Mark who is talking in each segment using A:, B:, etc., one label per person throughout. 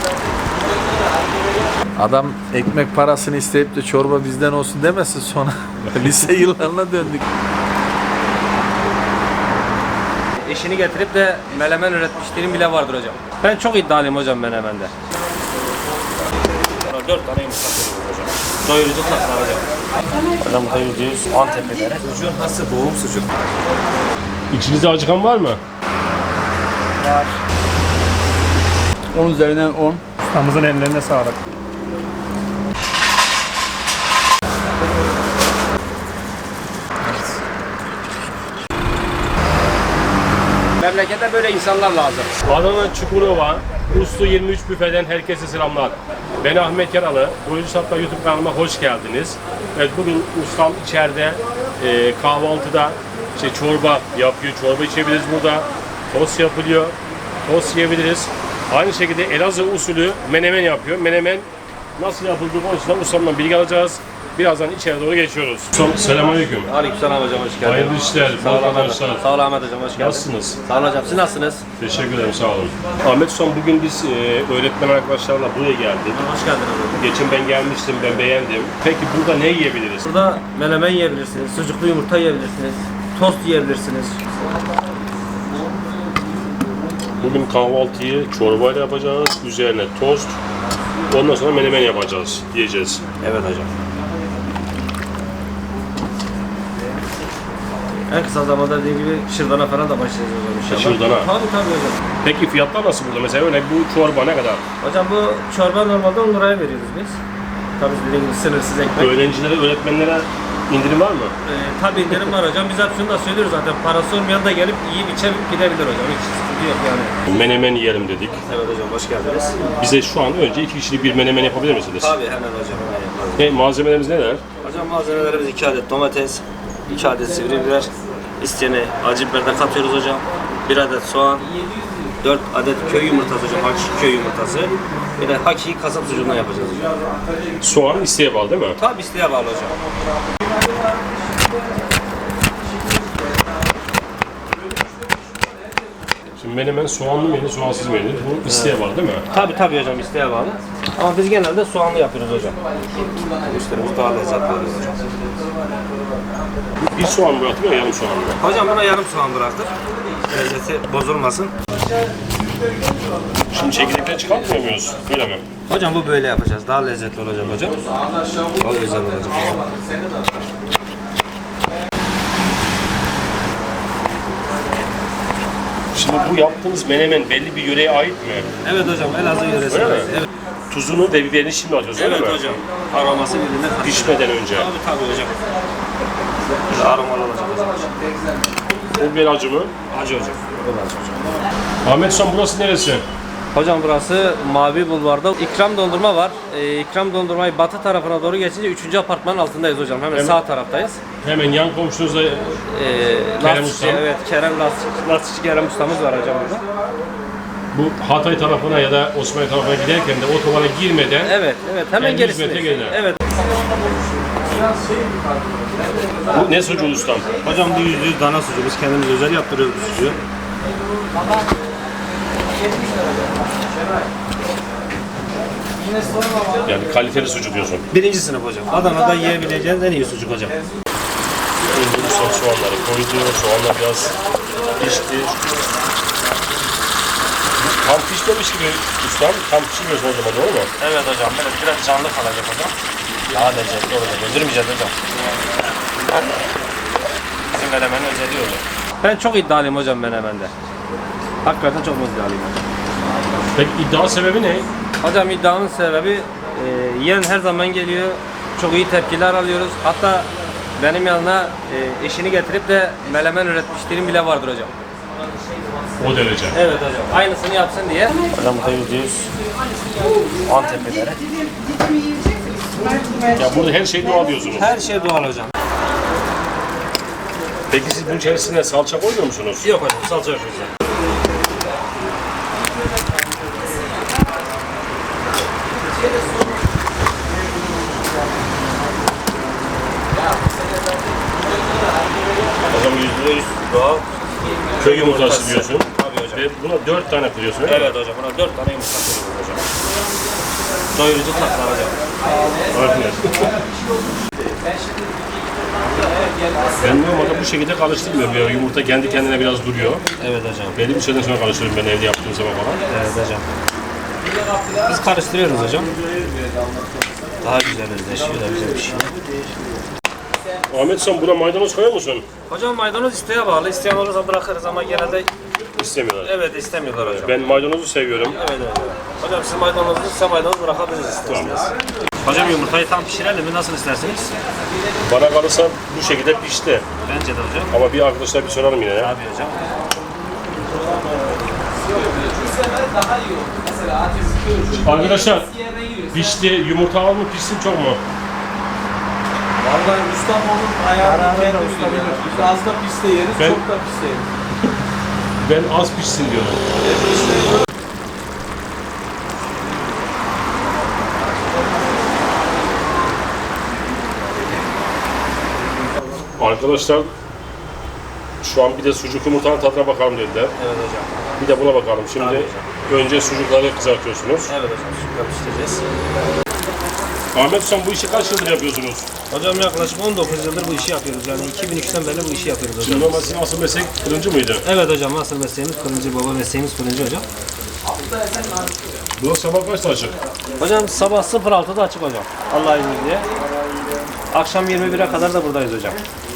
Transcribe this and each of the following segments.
A: Adam ekmek parasını isteyip de çorba bizden olsun demesin sonra. Lise yıllarına döndük.
B: Eşini getirip de menemen üretmişlerim bile vardır hocam. Ben çok iddialıyım hocam menemende. 4 tane yumurta koyuyoruz hocam. Doyurucu tatlar hocam. Hocam bu da %100 Antep biberi. Sucuğun hası boğum sucuk.
C: İçinizde acıkan var mı?
B: Var.
D: 10 üzerinden 10.
E: Ustamızın ellerine sağlık.
B: Memlekette böyle insanlar lazım.
C: Adana Çukurova, Uslu 23 büfeden herkese selamlar. Ben Ahmet Yaralı, Doyurucu Tatlar YouTube kanalıma hoş geldiniz. Evet, bugün ustam içeride kahvaltıda çorba yapıyor, çorba içebiliriz burada. Tost yapılıyor, tost yiyebiliriz. Aynı şekilde Elazığ usulü menemen yapıyor. Menemen nasıl yapıldığı konusunda ustamdan bilgi alacağız. Birazdan içeri doğru geçiyoruz. Selamünaleyküm.
B: Aleykümselam hocam, hoş geldiniz.
C: Hayırlı işler,
B: Sağ olun
C: bol
B: Ahmet.
C: kazançlar.
B: Sağ olun Ahmet hocam, hoş geldiniz.
C: Nasılsınız?
B: Sağ olun hocam, siz nasılsınız?
C: Teşekkür ederim, sağ olun. Ahmet Ustam, bugün biz öğretmen arkadaşlarla buraya geldik.
B: Hoş geldiniz hocam.
C: Geçen ben gelmiştim, ben beğendim. Peki burada ne yiyebiliriz?
B: Burada menemen yiyebilirsiniz, sucuklu yumurta yiyebilirsiniz, tost yiyebilirsiniz.
C: Bugün kahvaltıyı çorbayla yapacağız, üzerine tost, ondan sonra menemen yapacağız, yiyeceğiz.
B: Evet hocam. En kısa zamanda dediğim gibi şırdana falan da başlayacağız hocam inşallah.
C: Şırdana?
B: Tabii hocam.
C: Peki fiyatlar nasıl burada? Mesela örnek bu çorba ne kadar?
B: Hocam bu çorba normalde 10 liraya veriyoruz biz. Tabii dediğim gibi sınırsız ekmek.
C: Öğrencilere, öğretmenlere indirim var mı?
B: Tabii indirim var hocam. Biz hep şunu da söylüyoruz zaten. Parası olmayan da gelip yiyip içip gidebilir hocam. Hiç sıkıntı yok yani.
C: Menemen yiyelim dedik.
B: Evet hocam, hoş geldiniz.
C: Bize şu an önce 2 kişilik bir menemen yapabilir misiniz?
B: Tabii hemen hocam. Hemen yaparız.
C: Malzemelerimiz neler?
B: Hocam malzemelerimiz 2 adet domates, 2 adet sivri biber, isteyene acı biber de katıyoruz hocam. 1 adet soğan, 4 adet köy yumurtası hocam, hakiki köy yumurtası. Bir de hakiki kasap sucuğundan yapacağız hocam.
C: Soğan isteğe bağlı değil mi?
B: Tabii isteğe bağlı hocam.
C: Şimdi menemen soğanlı menü, soğansız menü. Bu isteğe bağlı değil mi?
B: Tabii hocam, isteğe bağlı. Ama biz genelde soğanlı yapıyoruz hocam. Müşterimiz daha lezzetli oluyor hocam.
C: Bir soğan bıraktık ya, yarım soğan mı?
B: Hocam buna yarım soğan bıraktık. Lezzeti bozulmasın.
C: Şimdi çekirdekten çıkartmıyor muyuz? Böyle mi?
B: Hocam bu böyle yapacağız. Daha lezzetli olacak hocam. Daha güzel olacak hocam.
C: Şimdi bu yaptığınız menemen belli bir yöreye ait mi?
B: Evet hocam, Elazığ yöresi.
C: Öyle mi?
B: Evet.
C: Tuzunu ve biberini şimdi atıyoruz öyle
B: Evet
C: mi?
B: hocam. Aroması birbirine karışıyor.
C: Pişmeden önce.
B: Tabii hocam. Böyle aromalı olacak hocam.
C: O biber acı mı?
B: Acı hocam. O da acı hocam.
C: Ahmet Ustam, burası neresi?
B: Hocam burası Mavi Bulvar'da İkram Dondurma var. İkram Dondurmayı batı tarafına doğru geçince 3. apartmanın altındayız hocam. Hemen sağ taraftayız.
C: Hemen yan komşunuzda
B: Kerem
C: Ustam.
B: Evet, Kerem Lastikçi Kerem ustamız var hocam burada.
C: bu Hatay tarafına ya da Osmanlı tarafına giderken de otobana girmeden
B: Evet, hemen
C: 50
B: gerisinde.
C: metre geride.
B: Evet.
C: bu ne sucuğu ustam?
E: Hocam bu %100 dana sucuğu. Biz kendimiz özel yaptırıyoruz bu sucuğu.
C: Yani kaliteli sucuk diyorsun.
E: Birinci sınıf hocam. Adana'da yiyebileceğiniz en iyi sucuk hocam.
C: Ustam soğanları koydu, soğanlar biraz pişti. Tam pişmemiş gibi ustam, tam pişmiyorsun o zaman, doğru mu?
B: Evet hocam, böyle biraz canlı kalacak hocam. Daha lezzetli olacak. Öldürmeyeceğiz hocam. Bizim menemenin özelliği hocam. Ben çok iddialıyım hocam menemende. Hakikaten çok iddialıyım hocam.
C: Peki iddia sebebi ne?
B: Hocam iddiamın sebebi yiyen her zaman geliyor. Çok iyi tepkiler alıyoruz. Hatta benim yanına eşini getirip de menemen üretmişlerim bile vardır hocam.
C: O derece.
B: Evet hocam. Aynısını yapsın diye. Hocam bu da %100 Antep biberi.
C: Ya burada her şey doğal diyorsunuz.
B: Her şey doğal hocam.
C: Peki siz bunun içerisine salça koymuyor musunuz?
B: Yok hocam, salça yok hocam. Hocam %100 doğal.
C: Köy yumurtası diyorsun.
B: Tabii hocam.
C: Ve buna 4 tane kırıyorsun öyle mi?
B: Evet hocam, buna 4 tane yumurta koyuyoruz hocam. Doyurucu tatlar hocam.
C: Aynen. Ben normalde bu şekilde karıştırmıyorum ya. Yumurta kendi kendine biraz duruyor.
B: Evet hocam.
C: Belli bir süreden sonra karıştırıyorum ben evde yaptığım zaman falan.
B: Evet hocam. Biz karıştırıyoruz hocam. Daha güzel özleşiyor da güzel bir şey.
C: Ahmet sen buna maydanoz koyuyor musun?
B: Hocam maydanoz isteğe bağlı. İsteyen olursa bırakırız ama genelde
C: İstemiyorlar.
B: evet istemiyorlar hocam.
C: Ben maydanozu seviyorum.
B: Evet evet. Hocam siz maydanozlu size maydanoz bırakabiliriz isterseniz. Hocam yumurtayı tam pişirelim mi? Nasıl isterseniz?
C: Bana kalırsa bu şekilde pişti.
B: Bence de hocam.
C: Ama bir arkadaşlar bir soralım yine ya.
B: Abi hocam.
C: Arkadaşlar pişti, yumurta az mı pişsin çok mu?
A: Vallahi ustam onun ayarını kendi bilir. Biz az da piste yeriz,
C: Ben-
A: çok da piste yeriz.
C: Ben az pişsin diyorum. Arkadaşlar şu an bir de sucuk yumurtanın tadına bakalım dediler.
B: Evet hocam.
C: Bir de buna bakalım. Şimdi
B: Tabii
C: önce sucukları kızartıyorsunuz.
B: Evet hocam. Süper pişireceğiz.
C: Ahmet sen bu işi kaç yıldır yapıyorsunuz?
B: Hocam yaklaşık 19 yıldır bu işi yapıyoruz. Yani 2002'den beri bu işi yapıyoruz hocam.
C: Şimdi normal sizin asıl meslek fırıncı mıydı?
B: Evet hocam. Asıl mesleğimiz fırıncı. Baba mesleğimiz fırıncı hocam.
C: Bu sabah kaçta açık?
B: Hocam sabah 06'da açık hocam. Allah'ın izniyle. Akşam 21'e kadar da buradayız hocam.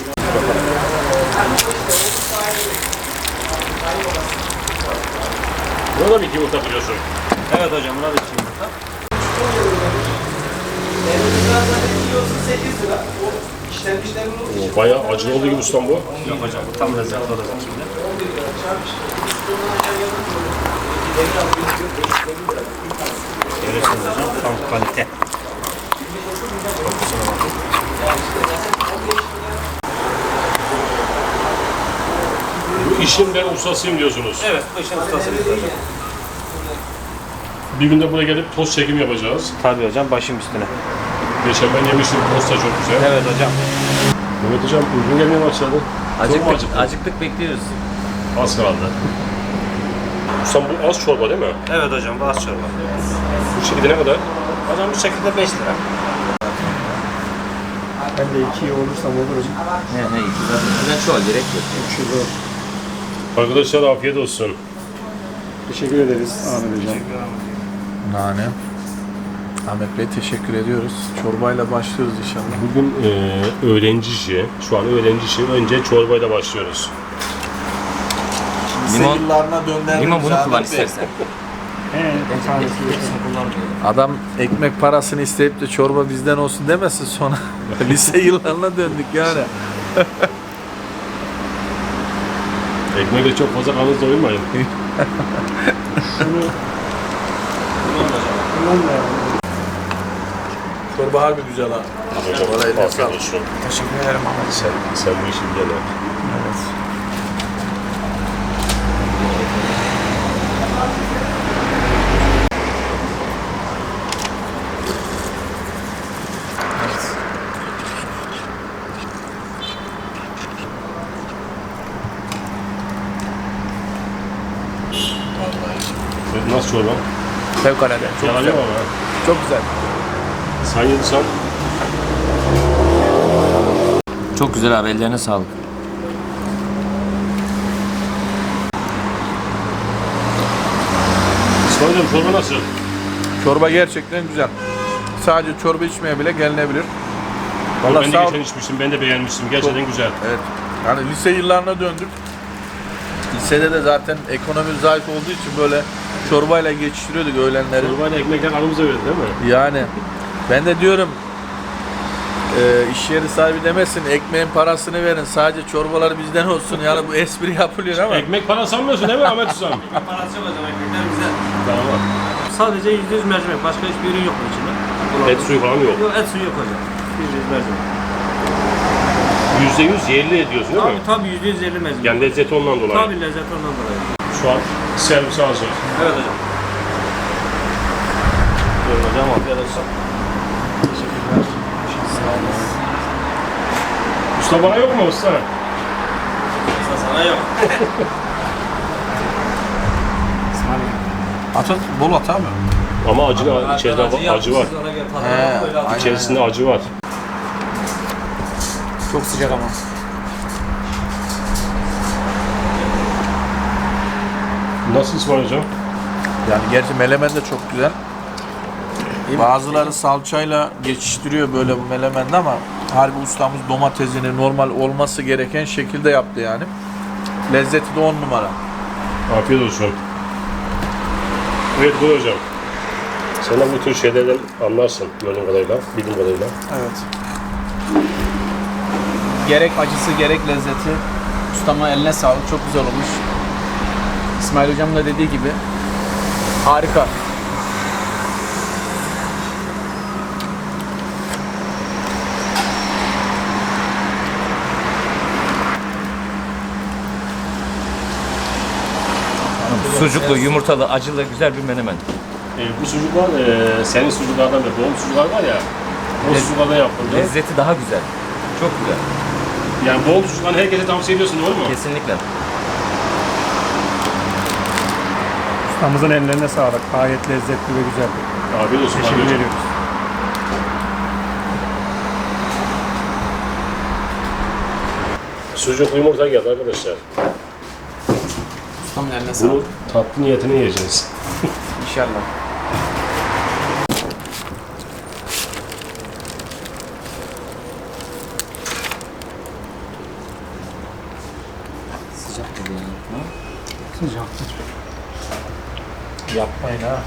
C: Buna da bir yumurta kırıyorsun.
B: Evet hocam. Buna da içi yumurta.
C: Bayağı acılı olduğu gibi ustam bu.
B: Yok hocam. Bu tam lezzetli olacak şimdi. Görüyorsunuz hocam. Tam kalite. Kokusuna bakın.
C: Bu işin ben ustasıyım diyorsunuz.
B: Evet. Bu işin ustasıyız hocam.
C: Bir günde buraya gelip tost çekim yapacağız.
B: Tabii hocam. Başım üstüne.
C: Geçen ben yemiştim, tost da çok güzel.
B: Evet hocam.
C: Mehmet hocam uygun gelmeye başladı. Çok mu acıktın?
A: Acıktık bekliyoruz.
C: Az kaldı. Ustam bu az çorba değil mi?
B: Evet hocam. Baz çorba.
C: Bu şekilde ne kadar?
B: Hocam bu şekilde 5 lira.
E: Ben de 2 olursam olurum.
A: Ne iki zaten. Ben şu an gerek yok.
C: Arkadaşlar afiyet olsun.
E: Teşekkür ederiz Ahmet hocam.
A: Nane. Ahmet Bey teşekkür ediyoruz. Çorbayla başlıyoruz inşallah.
C: Bugün öğrenci işi, şu an öğrenci işi. Önce çorbayla başlıyoruz.
A: Lise yıllarına döndürdük.
F: Limon bunu kullan istersen.
A: Adam ekmek parasını isteyip de çorba bizden olsun demesin sonra. Lise yıllarına döndük yani.
C: Ekmekle çok fazla kanınız doyurmayın.
A: Çorba harbi güzel ha.
C: Hocam
A: Vallahi
C: afiyet
A: sağ ol.
C: olsun.
E: Teşekkür ederim Ahmet.
C: Sen bu işi bilen ha.
A: Evet.
C: Nasıl çorba?
A: Fevkalade. Çok
C: Yalan
A: güzel.
C: yok ama.
A: Çok güzel.
C: Sen yediysen
F: Çok güzel abi, ellerine sağlık.
C: İsmail hocam çorba nasıl?
A: Çorba gerçekten güzel. Sadece çorba içmeye bile gelinebilir.
C: Ben
A: Vallahi
C: de
A: sağ ol.
C: geçen içmiştim, ben de beğenmiştim. Gerçekten güzel.
A: Evet. Yani lise yıllarına döndük. Lisede de zaten ekonomi zayıf olduğu için böyle çorbayla geçiştiriyorduk öğlenleri.
C: Çorbayla ekmekler aramıza verdi değil mi?
A: Yani ben de diyorum iş yeri sahibi demesin ekmeğin parasını verin sadece çorbalar bizden olsun yani bu espri yapılıyor ama
C: Ekmek para sanmıyorsun değil mi Ahmet Ustam?
B: Parası yok hocam. Ekmekler bizde.
C: Tamam.
B: Sadece %100 mercimek. Başka hiçbir ürün yok bu içinde.
C: Et suyu falan yok.
B: Yok, et suyu yok hocam. %100 mercimek.
C: %100 yerli ediyorsun değil mi?
B: Tabii %100 yerli mercimek.
C: Yani lezzeti ondan dolayı.
B: Tabii lezzet ondan dolayı.
C: Şu an servis hazır.
B: Evet hocam. Buyurun hocam. Afiyet olsun.
C: Usta bana yok mu usta?
B: Sana yok.
A: at bol at abi.
C: Ama içerisinde acı var.
A: He,
C: İçerisinde acı var.
D: Çok sıcak ama.
C: Nasıl İsmail hocam?
A: Yani gerçi melemen de çok güzel. Bazıları salçayla geçiştiriyor böyle bu melemende ama harbi ustamız domatesini normal olması gereken şekilde yaptı yani. Lezzeti de 10 numara.
C: Afiyet olsun. Evet buyur hocam. Sen de bu tür şeylerden anlarsın gördüğüm kadarıyla, bildiğim kadarıyla.
D: Evet. Gerek acısı gerek lezzeti. Ustama eline sağlık. Çok güzel olmuş. İsmail hocamın da dediği gibi harika.
F: Sucuklu, yumurtalı, acılı güzel bir menemen.
C: Bu sucuklar senin sucuklardan ve doğum sucuklar var ya, o sucuklardan yapıldı.
F: Lezzeti daha güzel. Çok güzel.
C: Yani doğum sucuklarını herkese tavsiye ediyorsun doğru mu?
F: Kesinlikle.
E: Ustamızın ellerine sağlık. Gayet lezzetli ve güzel.
C: Afiyet olsun.
E: Teşekkür
C: afiyet olsun.
E: ediyoruz.
C: Sucuklu yumurta geldi arkadaşlar.
D: Ustamın eline
C: Bunu
D: sağlık.
C: tatlı niyetine yiyeceğiz.
D: İnşallah.
E: Sıcaktır.
A: Yapmayın ha.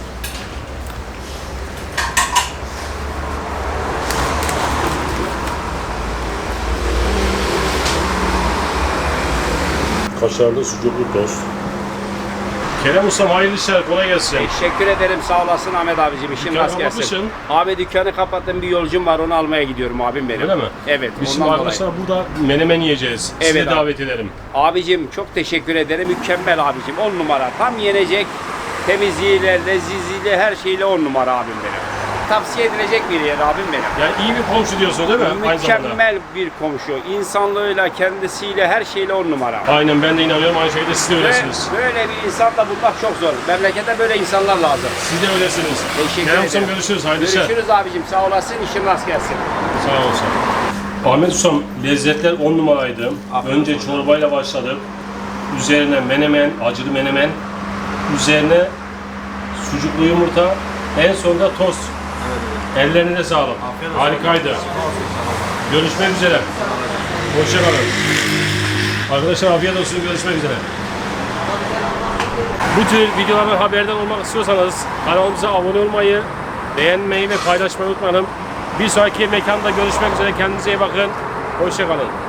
C: Kaşarlı sucuklu tost. Kerem Ustam hayırlı işler, kolay gelsin.
G: Teşekkür ederim, sağ olasın Ahmet abicim, işin
C: Dükkanı
G: rast gelsin.
C: kapatmışsın.
G: Abi dükkanı kapattım, bir yolcum var, onu almaya gidiyorum abim benim.
C: Öyle mi?
G: Evet,
C: Biz şimdi
G: ondan dolayı.
C: arkadaşlar burada menemen yiyeceğiz. Sizi
G: Evet
C: de
G: abi.
C: davet ederim.
G: Abicim çok teşekkür ederim, mükemmel abicim, 10 numara. Tam yenecek, temizliğiyle, lezzetliyle, her şeyle 10 numara abim benim. Tavsiye edilecek bir yer abim benim.
C: Yani iyi bir komşu diyorsun değil mi? Aynı zamanda.
G: Mükemmel bir komşu, insanlığıyla, kendisiyle, her şeyle 10 numara.
C: Aynen ben de inanıyorum aynı şeyde siz de
G: Ve
C: öylesiniz.
G: böyle bir insanla bulmak çok zor. Memlekete böyle insanlar lazım.
C: Siz de öylesiniz.
G: Teşekkür
C: Kerem Ustam
G: ederim.
C: görüşürüz. Hayırlı işler.
G: Görüşürüz abicim, sağ olasın, işin rast gelsin.
C: Sağ olsun. Ahmet Ustam lezzetler 10 numaraydı. Önce çorbayla başladık. Üzerine menemen, acılı menemen. Üzerine sucuklu yumurta. En sonunda tost. Ellerine sağlık. Harikaydı. Görüşmek üzere. Hoşçakalın. Arkadaşlar afiyet olsun. Görüşmek üzere. Bu tür videolardan haberdar olmak istiyorsanız kanalımıza abone olmayı, beğenmeyi ve paylaşmayı unutmayın. Bir sonraki mekanda görüşmek üzere. Kendinize iyi bakın. Hoşçakalın.